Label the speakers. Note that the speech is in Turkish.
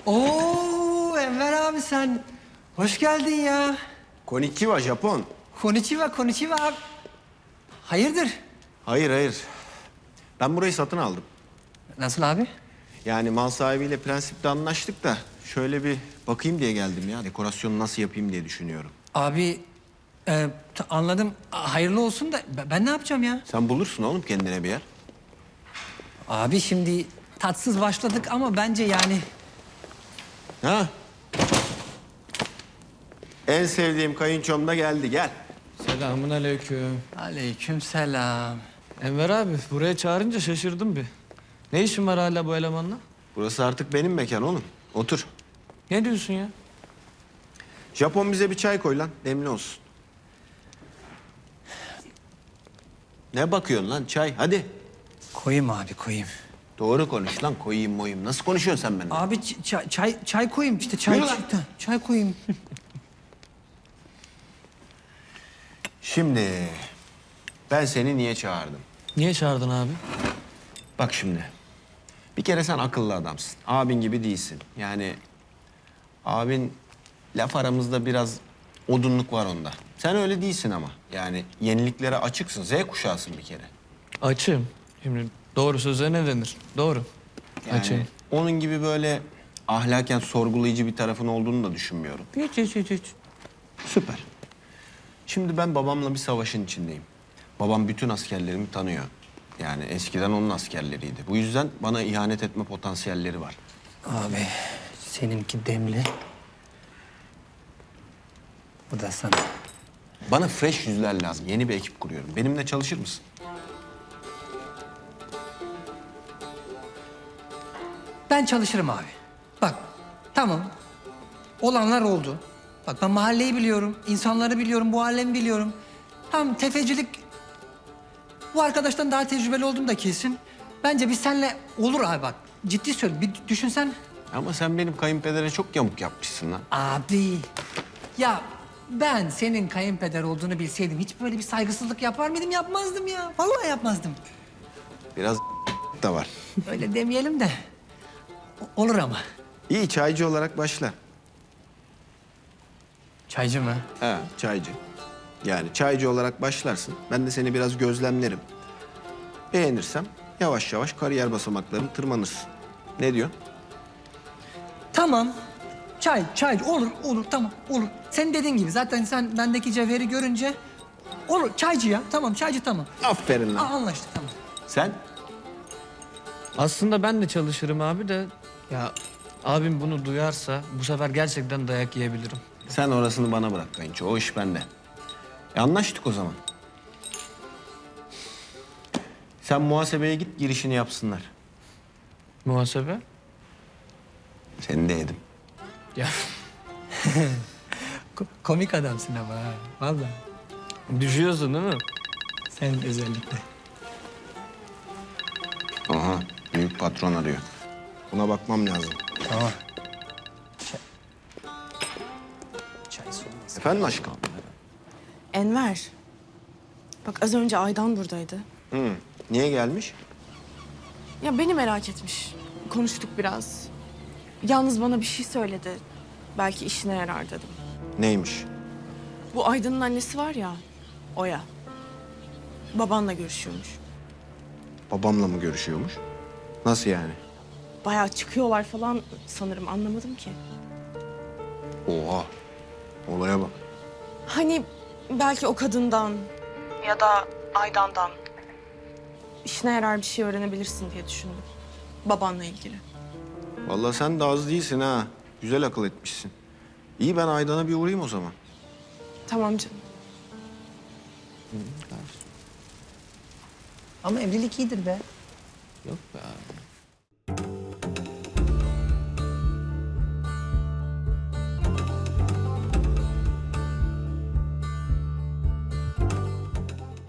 Speaker 1: Oo Enver abi sen hoş geldin ya.
Speaker 2: Konnichiwa Japon.
Speaker 1: Konnichiwa, konnichiwa. Hayırdır?
Speaker 2: Hayır. Ben burayı satın aldım.
Speaker 1: Nasıl abi?
Speaker 2: Yani mal sahibiyle prensipte anlaştık da şöyle bir bakayım diye geldim ya. Dekorasyonu nasıl yapayım diye düşünüyorum.
Speaker 1: Abi anladım. Hayırlı olsun da ben ne yapacağım ya?
Speaker 2: Sen bulursun oğlum kendine bir yer.
Speaker 1: Abi şimdi tatsız başladık ama bence yani...
Speaker 2: Ha? En sevdiğim kayınçom da geldi. Gel.
Speaker 3: Selamun aleyküm.
Speaker 1: Aleykümselam.
Speaker 3: Enver abi buraya çağırınca şaşırdım bir. Ne işin var hala bu elemanla?
Speaker 2: Burası artık benim mekan oğlum. Otur.
Speaker 3: Ne diyorsun ya?
Speaker 2: Japon bize bir çay koy lan. Demli olsun. Ne bakıyorsun lan çay? Hadi.
Speaker 1: Koyayım abi koyayım.
Speaker 2: Doğru konuş lan. Koyayım moyayım. Nasıl konuşuyorsun sen benimle?
Speaker 1: Abi çay koyayım işte çay.
Speaker 2: Yürü lan.
Speaker 1: Çay koyayım.
Speaker 2: Şimdi ben seni niye çağırdım?
Speaker 3: Niye çağırdın abi?
Speaker 2: Bak şimdi. Bir kere sen akıllı adamsın. Abin gibi değilsin. Yani abin laf aramızda biraz odunluk var onda. Sen öyle değilsin ama. Yani yeniliklere açıksın. Z kuşağısın bir kere.
Speaker 3: Açım. Şimdi doğru söze ne denir? Doğru.
Speaker 2: Yani
Speaker 3: Açım.
Speaker 2: onun gibi böyle ahlaken sorgulayıcı bir tarafın olduğunu da düşünmüyorum.
Speaker 3: Hiç.
Speaker 2: Süper. Şimdi ben babamla bir savaşın içindeyim. Babam bütün askerlerimi tanıyor. Yani eskiden onun askerleriydi. Bu yüzden bana ihanet etme potansiyelleri var.
Speaker 1: Abi seninki demli. Bu da sana.
Speaker 2: Bana fresh yüzler lazım. Yeni bir ekip kuruyorum. Benimle çalışır mısın?
Speaker 1: Ben çalışırım abi. Bak tamam. Olanlar oldu. Bak ben mahalleyi biliyorum, insanları biliyorum, bu alemi biliyorum. Tam tefecilik... Bu arkadaştan daha tecrübeli oldum da kesin. Bence biz seninle olur abi bak. Ciddi söyle bir düşünsen.
Speaker 2: Ama sen benim kayınpedere çok yamuk yapmışsın lan.
Speaker 1: Abi ya ben senin kayınpeder olduğunu bilseydim hiç böyle bir saygısızlık yapar mıydım? Yapmazdım ya. Vallahi yapmazdım.
Speaker 2: Biraz da var.
Speaker 1: Öyle demeyelim de. Olur ama.
Speaker 2: İyi çaycı olarak başla.
Speaker 1: Çaycı mı?
Speaker 2: Ha, çaycı. Yani çaycı olarak başlarsın. Ben de seni biraz gözlemlerim. Beğenirsem yavaş yavaş kariyer basamaklarını tırmanırsın. Ne diyorsun?
Speaker 1: Tamam. Çay olur tamam olur. Senin dediğin gibi zaten sen bendeki cevheri görünce olur çaycı ya tamam çaycı tamam.
Speaker 2: Aferin lan.
Speaker 1: Anlaştık tamam.
Speaker 2: Sen?
Speaker 3: Aslında ben de çalışırım abi de... Ya abim bunu duyarsa bu sefer gerçekten dayak yiyebilirim.
Speaker 2: Sen orasını bana bırak kayınço. O iş bende. Anlaştık o zaman. Sen muhasebeye git girişini yapsınlar.
Speaker 3: Muhasebe?
Speaker 2: Seni de yedim.
Speaker 3: Ya
Speaker 1: Komik adamsın ama ha. Vallahi.
Speaker 3: düşüyorsun değil mi?
Speaker 1: Sen özellikle.
Speaker 2: Aha büyük patron arıyor. Buna bakmam lazım.
Speaker 1: Tamam. Çay soğumasın.
Speaker 2: Efendim aşkım?
Speaker 4: Enver. Bak az önce Aydan buradaydı.
Speaker 2: Hı. Niye gelmiş?
Speaker 4: Ya beni merak etmiş. Konuştuk biraz. Yalnız bana bir şey söyledi. Belki işine yarar dedim.
Speaker 2: Neymiş?
Speaker 4: Bu Aydan'ın annesi var ya, Oya. Babanla görüşüyormuş.
Speaker 2: Babamla mı görüşüyormuş? Nasıl yani?
Speaker 4: Bayağı çıkıyorlar falan sanırım anlamadım ki.
Speaker 2: Oha. Olaya bak.
Speaker 4: Hani belki o kadından ya da Aydan'dan işine yarar bir şey öğrenebilirsin diye düşündüm. Babanla ilgili.
Speaker 2: Vallahi sen de az değilsin ha. Güzel akıl etmişsin. İyi ben Aydan'a bir uğrayayım o zaman.
Speaker 4: Tamam canım.
Speaker 1: Ama evlilik iyidir be.
Speaker 3: Yok be abi.